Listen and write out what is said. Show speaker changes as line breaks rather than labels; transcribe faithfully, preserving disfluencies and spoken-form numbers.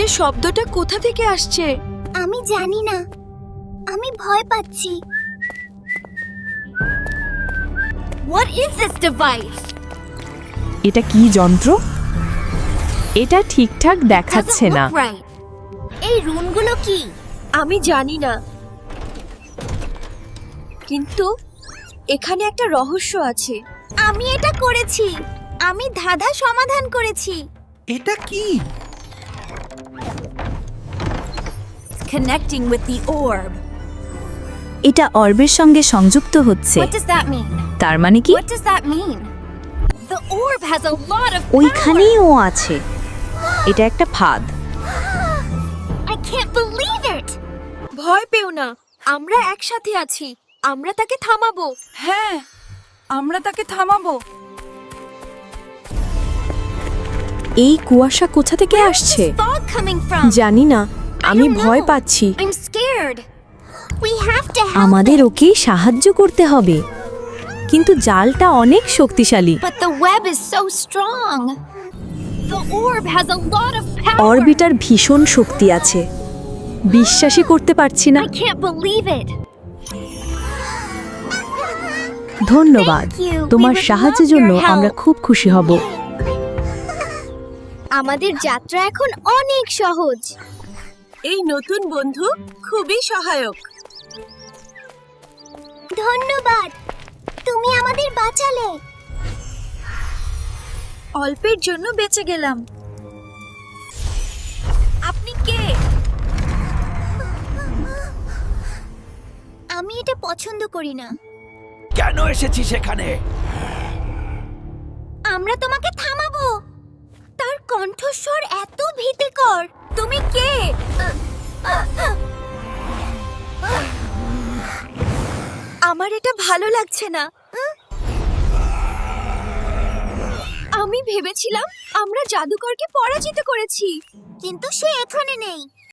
আওয়াজের শব্দটা কোথা থেকে আসছে?
আমি জানি না, আমি ভয় পাচ্ছি। What is this device?
এটা কি যন্ত্র? এটা ঠিকঠাক দেখাচ্ছে
Doesn't
না।
look right. এই রুনগুলো কি?
আমি জানি না, কিন্তু এখানে একটা রহস্য আছে।
আমি এটা করেছি, আমি ধাঁধা সমাধান করেছি।
এটা কি?
Connecting with the orb.
এটা অর্বের সঙ্গে সংযুক্ত হচ্ছে।
What does that mean?
তার মানে কি?
What does that mean? The orb has a lot of power.
ওইখানেই ও আছে। এটা একটা ফাঁদ।
I can't believe it.
ভয় পেও না, আমরা একসাথে আছি। আমরা তাকে থামাবো।
হ্যাঁ, আমরা তাকে থামাবো।
এই কুয়াশা কোথা থেকে আসছে?
Fog coming from.
জানি না, আমি
don't
ভয়
know.
পাচ্ছি।
I'm scared. We have to help.
আমাদের ওকে সাহায্য করতে হবে, কিন্তু জালটা অনেক শক্তিশালী।
But the web is so strong. The orb has a lot of power.
Orbiter ভীষণ শক্তি আছে, বিশ্বাসই করতে পারছি না।
I can't believe it.
ধন্যবাদ,
Thank you.
তোমার
We would
সাহায্যের
love
জন্য
your help.
আমরা খুব খুশি হব।
আমাদের যাত্রা এখন অনেক সহজ।
এই নতুন বন্ধু খুবই সহায়ক।
ধন্যবাদ, তুমি আমাদের বাঁচালে।
অল্পের জন্য বেঁচে গেলাম। আপনি কে?
আমি এটা পছন্দ করি না।
কেন এসেছিস এখানে?
আমরা তোমাকে থামাবো। তার কণ্ঠস্বর এত ভীতিকর।
তুমি কে? আমার এটা ভালো লাগছে না। আমি ভেবেছিলাম আমরা জাদুকরকে পরাজিত করেছি,
কিন্তু সে এখানে নেই।